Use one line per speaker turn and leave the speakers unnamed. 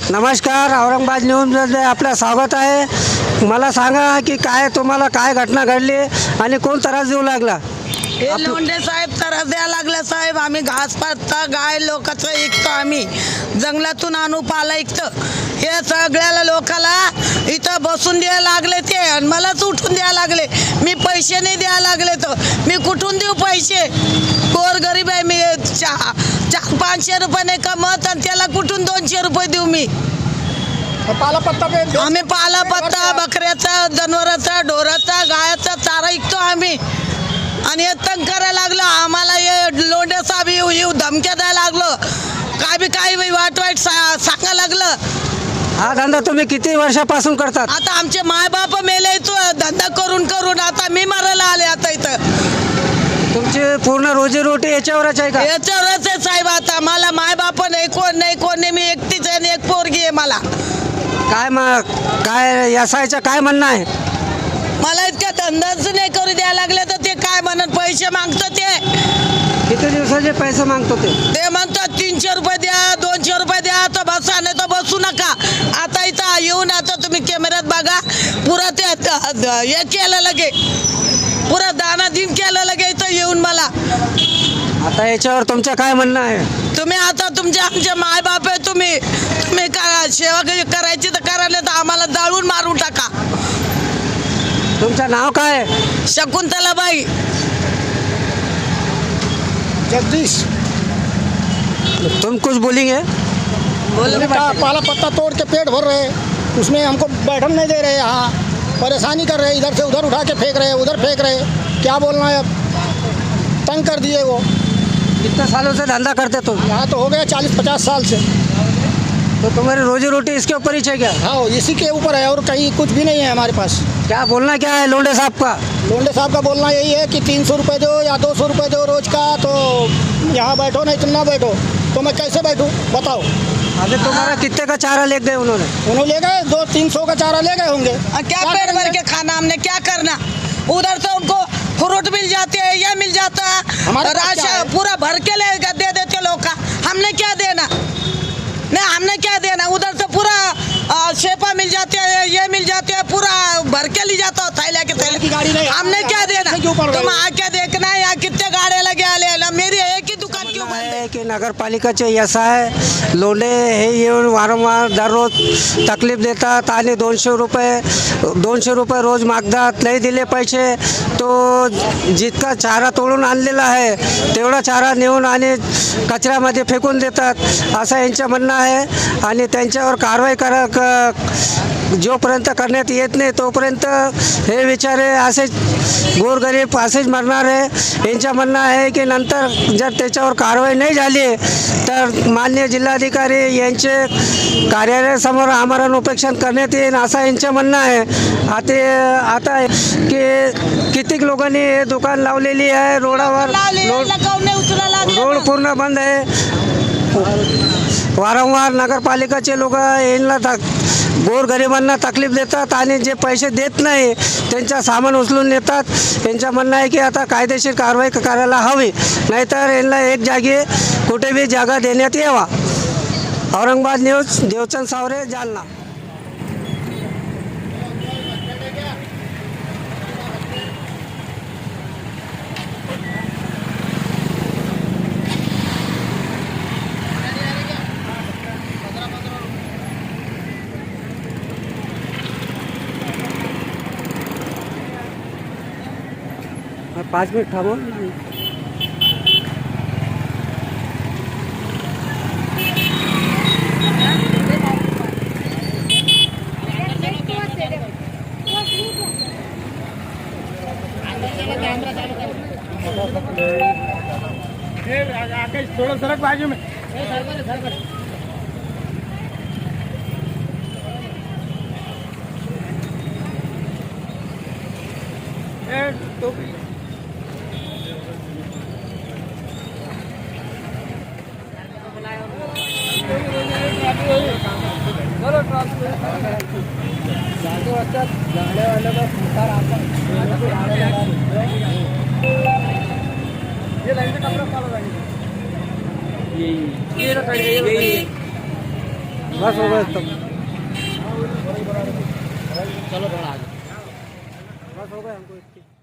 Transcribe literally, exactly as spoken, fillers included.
नमस्कार, औरंगाबाद न्यूजमध्ये आपलं स्वागत आहे. मला सांगा की काय तुम्हाला काय घटना घडली आणि कोण त्रास देऊ लागला?
हे लोंढे साहेब त्रास द्यायला लागले साहेब. आम्ही घास पाचता गाय लोकांचं ऐकतो, आम्ही जंगलातून आणू पाला ऐकतो. हे सगळ्याला लोकाला इथं बसून द्यायला लागले ते आणि मलाच उठून द्यायला लागले. मी पैसे नाही द्यायला लागले तर मी कुठून देऊ पैसे? गोर गरीब आहे मी. चार चार पाचशे रुपये नाही कमत आणि त्याला कुठून दोनशे रुपये देऊ मी?
पाला पत्ता पे
आम्ही पाला पत्ता बकऱ्याचा, जनावराचा, ढोराचा, गायाचा चारा ऐकतो आम्ही. आणि हे तंग करायला लागलं आम्हाला. हे लोंढे साहेब येऊ येऊ धमक्या द्यायला लागलं. काय बी काय बी वाईट वाईट सा सांगायला लागलं.
हा धंदा तुम्ही किती वर्षापासून करतात?
आता आमचे मायबाप मेले तो धंदा करून करून आता मी मरायला आले. आता इथं
तुमची पूर्ण रोजीरोटी याच्यावरच आहे का?
याच्यावरच आहे साहेब. आता मला मायबाप नाही, कोण नाही कोण नाही. मी एकटीच आहे आणि एक पोरगी आहे मला.
काय मग काय यासायचं काय म्हणणं आहे?
मला इतका धंदाच नाही करू द्यायला लागले तर ते काय म्हणत पैसे मागतात. ते
किती दिवसाचे पैसे मागतो ते?
ते म्हणतात तीनशे रुपये द्या, दोनशे रुपये द्या, तर बसा नाही तर बसू नका. आता इथं येऊन आता तुम्ही कॅमेऱ्यात बघा, पुरा ते हे केलं लगे, पुरा दाना दिन केलं लगे इथं येऊन मला.
आता याच्यावर तुमचं काय म्हणणं आहे?
तुम्ही आता तुमचे आमचे मायबाप आहे, तुम्ही तुम्ही का सेवा करायची तर करायला तर आम्हाला जाळून मारून टाका.
तुमचं नाव काय आहे?
शकुंतलाबाई
जगदीश
तुम कुछ बोलेंगे?
बोलो.
का पाला पत्ता तोड़ के पेट भर रहे, उसमें हमको बैठन नहीं दे रहे, यहाँ परेशानी कर रहे, इधर से उधर उठा के फेंक रहे, उधर फेंक रहे. क्या बोलना है अब? तंग कर दिए वो.
कितने सालों से धंधा करते तुम?
यहाँ तो हो गया चालीस पचास साल से.
तो तुम्हारी रोजी रोटी इसके ऊपर ही है क्या?
हाँ, इसी के ऊपर है और कहीं कुछ भी नहीं है हमारे पास.
क्या बोलना क्या है लोंढे साहब का?
लोंढे साहब का बोलना यही है कि तीन सौ रुपये दो या दो सौ रुपये दो रोज का, तो यहाँ बैठो नहीं तुम ना बैठो. तो मैं कैसे बैठूँ बताओ?
अभी तुम्हारा कितने का चारा ले गए उन्होंने?
उन्होंने ले गए दो तीन सौ का चारा ले गए होंगे.
और क्या पेट भर के खाना हमने क्या करना? उधर से उनको फ्रूट मिल जाते हैं, ये मिल जाता है,
हमारे पास क्या
राशन
है?
पूरा भर के ले दे देते लोग का. हमने क्या देना? नहीं हमने क्या देना? उधर से पूरा आ, शेपा मिल जाते हैं, ये मिल जाते हैं, पूरा भर के ले जाता है थैला के
की गाड़ी
थैले.
नहीं,
हमने क्या देना?
क्यों पड़ रहे
तुम
हो?
आके देखना है यहाँ कितने गाड़े लगे आले. मेरी एक ही दुकान क्यों बंद है?
आहे की नगरपालिकाचे असं आहे, लोंढे हे येऊन वारंवार दररोज तकलीफ देतात आणि दोनशे रुपये दोनशे रुपये रोज मागतात. नाही दिले पैसे तो जितका चारा तोडून आणलेला आहे तेवढा चारा नेऊन आणि कचऱ्यामध्ये फेकून देतात, असं यांचं म्हणणं आहे. आणि त्यांच्यावर कारवाई करा क जोपर्यंत करण्यात येत नाही तोपर्यंत हे बिचारे असेच गोरगरीब असेच मरणार आहे. यांचं म्हणणं आहे की नंतर जर त्याच्यावर कारवाई नाही झाली तर माननीय जिल्हाधिकारी यांचे कार्यालयासमोर आमरण उपेक्षण करण्यात येईल असं यांचं म्हणणं आहे. आता आता की कितीक लोकांनी हे दुकान लावलेली आहे रोडावर. रोड रोड पूर्ण बंद आहे. वारंवार नगरपालिकाचे लोक यांना तक गोरगरिबांना तकलीफ देतात आणि जे पैसे देत नाही त्यांचा सामान उचलून नेतात. त्यांचं म्हणणं आहे की आता कायदेशीर कारवाई करायला हवी, नाहीतर यांना एक जागी कुठे बी जागा देण्यात यावा. औरंगाबाद न्यूज, देवचंद सावरे, जालना. पाच मिनिट थांबव.
थोड़ा सरक बाजू में.
बस हो गए तब
चलो थोड़ा आगे
बस हो गए हमको इतनी